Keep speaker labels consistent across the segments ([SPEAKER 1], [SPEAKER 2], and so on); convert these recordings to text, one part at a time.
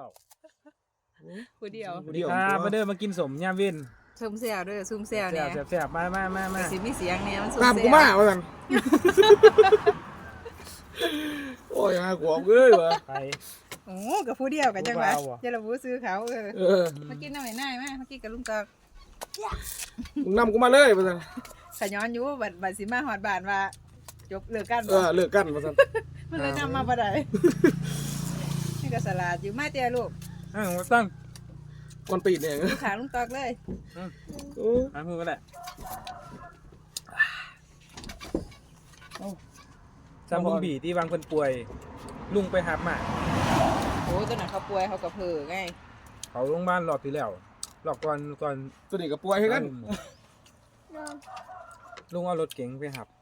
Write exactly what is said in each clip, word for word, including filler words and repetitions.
[SPEAKER 1] ว้า
[SPEAKER 2] ผู้เดียว
[SPEAKER 1] สวัสดีครับมาเด้อมากินสมยามเว้น
[SPEAKER 2] ซุ่มเสียวเด้อซุ่มเสียวเนี่ย
[SPEAKER 1] แซ่บๆมามามามา
[SPEAKER 2] สิมีเสียงเนี่ยมันซุ่ม
[SPEAKER 3] ตาม
[SPEAKER 2] เสี
[SPEAKER 3] กู
[SPEAKER 2] ยว
[SPEAKER 3] มาว่าซั่นโอ้ยหาขวบเอ้ยวะ
[SPEAKER 1] ไป
[SPEAKER 2] โอ้กับผู้เดียวกันจังหวะ
[SPEAKER 1] ผู้เบาอะ
[SPEAKER 2] จะระบุซื้อเขาเออ
[SPEAKER 3] เออ
[SPEAKER 2] มากินน้ำไหนน่ายมามากินกับลุงตอก
[SPEAKER 3] มึงนำกูมาเลยว่าซั่น
[SPEAKER 2] ขย้อนอยู่บัดบัดสิมาหอดบานว่าจบเลิกกัน
[SPEAKER 3] เอ
[SPEAKER 2] บ่
[SPEAKER 3] อเลิกกันว่าซั่น
[SPEAKER 2] มันเลยนำมาบ่ได้นี่ก็สลัดอยู่มาเตี้ยลูก
[SPEAKER 1] อ้าวมาตั้ง
[SPEAKER 3] ก่อนปีดเนี่ย
[SPEAKER 2] อยู่ขางลุงตอกเลย
[SPEAKER 3] โอ้
[SPEAKER 1] หามือก็ได้จำลุงบีที่วางคนป่วย ลุงไปหับมา
[SPEAKER 2] โอ้ตอนนั้นเขาป่วยเขาก็เผลอไง
[SPEAKER 1] เขาโรงพยาบาลรอบที่แล้วรอบก่อนก่อน
[SPEAKER 3] ตัวนี้ก็ป่วยให้กัน
[SPEAKER 1] ลุงเอารถเก๋งไปหับ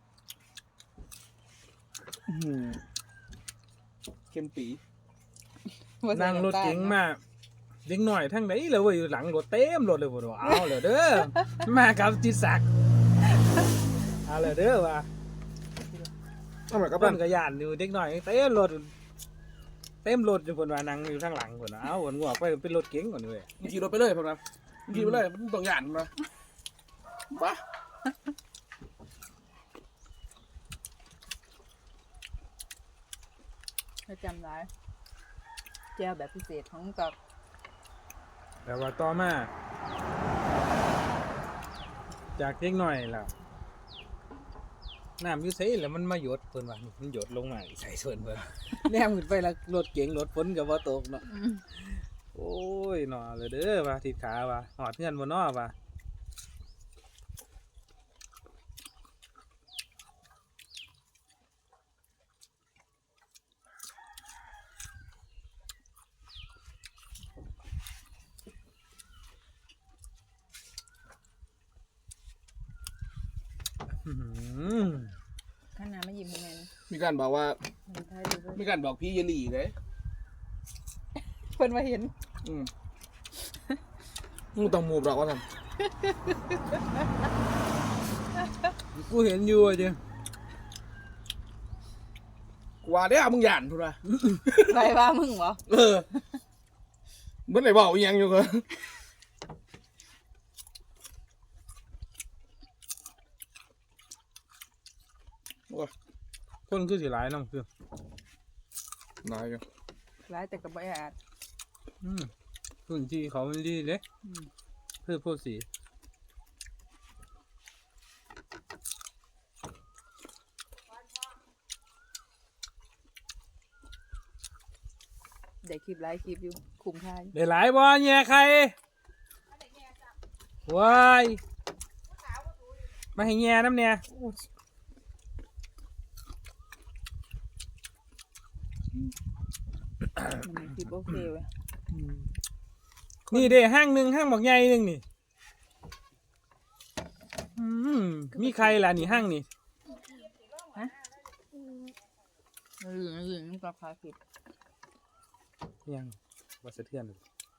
[SPEAKER 3] อื้อหือเข้มปี
[SPEAKER 2] บ่ใส่
[SPEAKER 1] นั่งรถ
[SPEAKER 2] น้ำตาล
[SPEAKER 1] เก๋งมาเด็กหน่อยทั้งไหนเลยเว้ยอยู่หลังรถเต็มรถเลยบ่รู้เอาเลยเด้อมากับจิตศักดิ์เอาเลยเด้อว่ะ
[SPEAKER 3] ทำไมกับ
[SPEAKER 1] เพิ่
[SPEAKER 3] นั่
[SPEAKER 1] น
[SPEAKER 3] น
[SPEAKER 1] ก็ย่านอยู่เด็กหน่อยเต็มรถเต็มรถอยู่เพิ่นว่านั่งอยู่ข้างหลังเพิ่นว่าเอาเพิ่นงอกไปเป็นรถเก๋งก่อนเว้ย
[SPEAKER 3] มึงขี่รถไปเลยพ่อนะมึงขี่ไปเลยมึงต้องหยานนะบ้า
[SPEAKER 2] เขาจำได้แจวแบบพิเศษของลุงตอก
[SPEAKER 1] แต่ว่าต่อมาจากเด็กหน่อยล่ะน้ำอยู่ไสแล้วมันมาหยดเพิ่นว่านี่มันหยดลงมาใส่ส่วนเพิ่น แนมขึ้นไปแล้วรถเก๋งรถฝนก็บ่ตกเนาะ
[SPEAKER 2] อืม
[SPEAKER 1] โอ้ยหนอเลยเด้อว่าทิศขาว่าหอดเงินบ่นอว่า อื้อหือ
[SPEAKER 2] ข้างหน้าไม่ยิ้มให้แม่นะ
[SPEAKER 3] มีการบอกว่า
[SPEAKER 2] มันท้ายดูด้วย
[SPEAKER 3] มีการบอกพี่เยลี่เลย
[SPEAKER 2] เพิ่นมาเห็น
[SPEAKER 3] อืมมึงต้องมูบหรอกว่าซั่น
[SPEAKER 1] กูเห็นอยู่อ่ะจ้ะ
[SPEAKER 3] กูว่าเด้อมึงหยานพุ่นว่า
[SPEAKER 2] ไปว่ามึงเหรอ
[SPEAKER 3] เออมันได้บอกอีหยังอยู่ก็โอ้ย
[SPEAKER 1] คนคือสิหลายน้ำคือ
[SPEAKER 3] นายอยู่
[SPEAKER 2] ร้ายแต่กับบ่อาจ
[SPEAKER 1] อืมพื้นที่เขามันดีเด้
[SPEAKER 2] อืม
[SPEAKER 1] พืชโพธิ์สี
[SPEAKER 2] ได้คลิปไลฟ์คลิปอยู่คุ้มค่าอยู่
[SPEAKER 1] ได้หลายบ่แย่ใครว้ายมาให้แย่น้ำเนี่ย
[SPEAKER 2] มันมีคลิปโอเคเว้ย
[SPEAKER 1] นี่เด้ห้างหนึ่งห้างบอกใหญ่หนึ่งนี่อืมมีใครล่ะนี่ห้างนี่
[SPEAKER 2] เออเออมันก็คาคลิป
[SPEAKER 1] ยังว่าสะเทือนเลย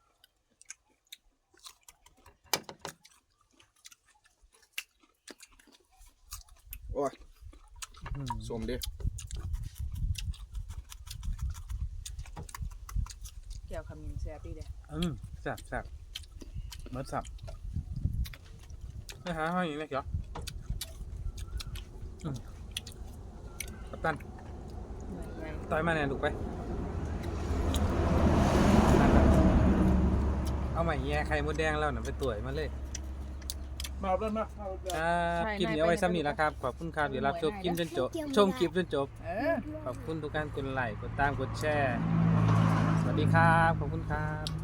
[SPEAKER 3] โอ้ย
[SPEAKER 1] อืม
[SPEAKER 3] สมดิ
[SPEAKER 2] แก้วขมิ้นแซ่บดีเด้
[SPEAKER 1] อืมแซ่บแซ่บเมื่อสับไม่หาห้องอีกเลยเหรออืมกัปตัน
[SPEAKER 2] หน่วยใหญ่
[SPEAKER 1] ต่อยมาเนี่ยลูกไปนั่นน่ะเอาใหม่แย่ไข่มดแดงแล้วน่ะไปตุ๋ยมาเลย
[SPEAKER 3] มาเอาเรื่องมาเอาเรื่อง
[SPEAKER 1] ครับคลิปนี้เอาไว้ซ้ำนี้แล้วครับ ขอบคุณครับเดี๋ยวรับชมคลิปจนจบชมคลิปจนจบ
[SPEAKER 2] เออ
[SPEAKER 1] ขอบคุณทุกการกดไลค์กดตามกดแชร์ สวัสดีครับ ขอบคุณครับ